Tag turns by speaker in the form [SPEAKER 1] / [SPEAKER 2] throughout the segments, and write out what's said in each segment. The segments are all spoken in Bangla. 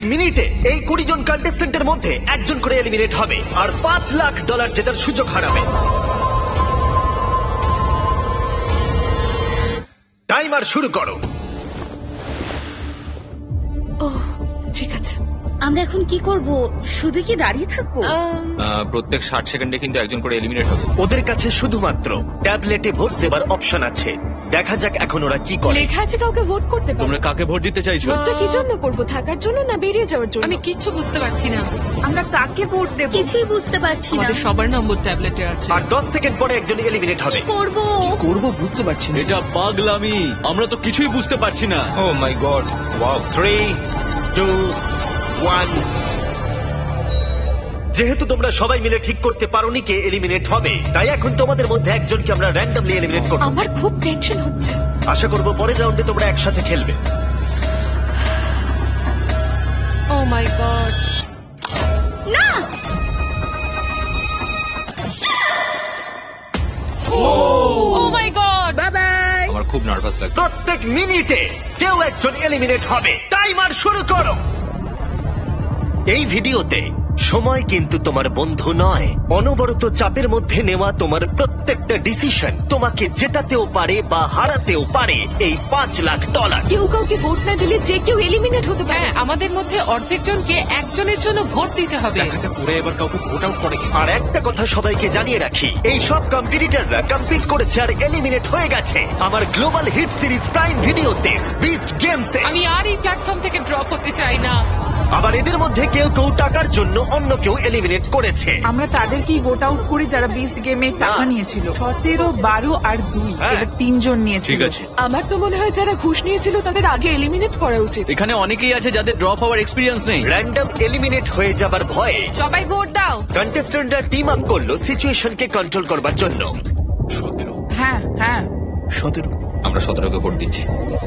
[SPEAKER 1] মিনিটে এই 20 জন কন্টেস্টেন্টের মধ্যে একজন করে এলিমিনেট হবে আর $5 লাখ জেতার সুযোগ হারাবে। টাইমার শুরু করো।
[SPEAKER 2] ও ঠিক আছে।
[SPEAKER 3] আমরা এখন কি করব? শুধু কি দাঁড়িয়ে থাকবো?
[SPEAKER 4] প্রত্যেক 60 সেকেন্ডে কিন্তু একজন করে এলিমিনেট হবে।
[SPEAKER 1] ওদের কাছে শুধুমাত্র ট্যাবলেটে ভোট দেবার অপশন আছে। দেখা যাক এখন ওরা কি করে।
[SPEAKER 2] লেখা আছে কাউকে ভোট করতে পারো।
[SPEAKER 5] তোমরা কাকে ভোট দিতে চাইছো?
[SPEAKER 2] ভোটটা কি জন্য করব? থাকার জন্য না বেরিয়ে যাওয়ার জন্য?
[SPEAKER 6] আমি কিচ্ছু বুঝতে পারছি না।
[SPEAKER 3] আমরা কাকে ভোট দেব কিছুই বুঝতে পারছি না।
[SPEAKER 6] আমাদের সবার নম্বর ট্যাবলেটে আছে।
[SPEAKER 1] আর 10 সেকেন্ড পরে একজন এলিমিনেট হবে।
[SPEAKER 3] করব
[SPEAKER 7] করবো বুঝতে পারছি না।
[SPEAKER 5] এটা পাগলামি, আমরা তো কিছুই বুঝতে পারছি না।
[SPEAKER 4] Oh my god, wow.
[SPEAKER 1] 3, 2, 1। যেহেতু তোমরা সবাই মিলে ঠিক করতে পারোনি কে এলিমিনেট হবে, তাই এখন তোমাদের মধ্যে একজনকে আমরা র্যান্ডমলি এলিমিনেট করব।
[SPEAKER 2] আমার খুব টেনশন হচ্ছে।
[SPEAKER 1] আশা করব পরের রাউন্ডে তোমরা একসাথে খেলবে।
[SPEAKER 2] Oh my god.
[SPEAKER 3] না।
[SPEAKER 2] Oh my god.
[SPEAKER 3] Bye bye.
[SPEAKER 4] আমার খুব নার্ভাস লাগছে।
[SPEAKER 1] প্রত্যেক মিনিটে কেউ একজন এলিমিনেট হবে। টাইমার শুরু করো। এই ভিডিওতে সময় কিন্তু তোমার বন্ধু নয়। অনবরত চাপের মধ্যে নেওয়া তোমার প্রত্যেকটা ডিসিশন তোমাকে জেতাতেও পারে বা হারাতেও পারে এই $5 লাখ।
[SPEAKER 2] কেউ কাউকে ভোট না দিলে যে কেউ এলিমিনেট হতে পারে।
[SPEAKER 6] হ্যাঁ, আমাদের মধ্যে অর্ধেক জনকে একজনের জন্য ভোট দিতে হবে।
[SPEAKER 5] পুরো এবার কাউকে ভোট আউট করে
[SPEAKER 1] আর একটা কথা সবাইকে জানিয়ে রাখি, এই সব কম্পিটিটররা কম্পিট করেছে আর এলিমিনেট হয়ে গেছে আমার গ্লোবাল হিট সিরিজ প্রাইম ভিডিওতে বিস্ট গেমসে।
[SPEAKER 6] আমি আর এই প্ল্যাটফর্ম থেকে ড্রপ হতে চাই না।
[SPEAKER 1] আবার এদের মধ্যে কেউ কেউ টাকার জন্য অন্য কেউ এলিমিনেট করেছে।
[SPEAKER 8] আমরা তাদেরকেই ভোট আউট করি যারা বিস্ট গেমে টাকা
[SPEAKER 1] না।
[SPEAKER 8] নিয়েছিল। 17, 12 আর 2
[SPEAKER 1] হ্যাঁ।
[SPEAKER 8] এবার 3 জন নিয়েছিল।
[SPEAKER 5] ঠিক আছে,
[SPEAKER 2] আমার তো মনে হয় যারা ঘুষ নিয়েছিল তাদের আগে এলিমিনেট করা উচিত।
[SPEAKER 5] এখানে অনেকেই আছে যাদের ড্রপ হওয়ার এক্সপিরিয়েন্স নেই।
[SPEAKER 1] র্যান্ডম এলিমিনেট হয়ে যাবার ভয়ে
[SPEAKER 2] সবাই ভোট দাও।
[SPEAKER 1] কন্টেস্টেন্টরা টিম আপ করলো সিচুয়েশনকে কন্ট্রোল করবার জন্য।
[SPEAKER 5] 17,
[SPEAKER 8] হ্যাঁ হ্যাঁ
[SPEAKER 7] 17।
[SPEAKER 4] আমরা 17কে ভোট দিচ্ছি।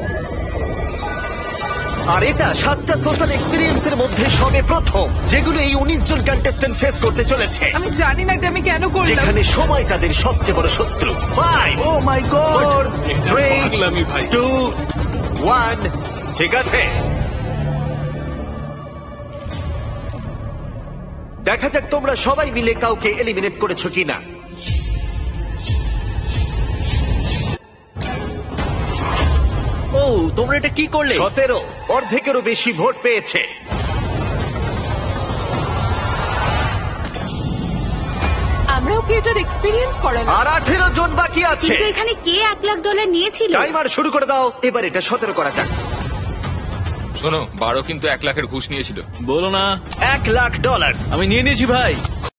[SPEAKER 1] আর এটা 7টা সোশ্যাল এক্সপিরিয়েন্সের মধ্যে সবে প্রথম যেগুলো এই 19 জন কন্টেস্টেন্ট ফেস করতে চলেছে,
[SPEAKER 8] আমি জানি না এটা আমি কেন করলাম।
[SPEAKER 1] যেখানে সময় তাদের সবচেয়ে বড় শত্রু। 5,
[SPEAKER 7] ও মাই গড।
[SPEAKER 1] 4, 3,
[SPEAKER 5] পাগলামি ভাই।
[SPEAKER 1] 2, 1। ঠিক আছে, দেখা যাক তোমরা সবাই মিলে কাউকে এলিমিনেট করেছো কিনা।
[SPEAKER 5] ও তোমরা এটা কি করলে?
[SPEAKER 1] 17, অর্ধেকেরও বেশি ভোট পেয়েছে।
[SPEAKER 2] আমরাও কি এটার এক্সপিরিয়েন্স করালাম?
[SPEAKER 1] আর 18 জন বাকি আছে।
[SPEAKER 3] কিন্তু এখানে কে $1 লাখ নিয়েছিল?
[SPEAKER 1] টাইমার শুরু করে দাও। এবার এটা 17 করা যাক।
[SPEAKER 4] শোনো, 12 কিন্তু 1 লাখের ঘুষ নিয়েছিল।
[SPEAKER 5] বলো না,
[SPEAKER 1] $1 লাখ।
[SPEAKER 5] আমি নিয়ে নিয়েছি ভাই।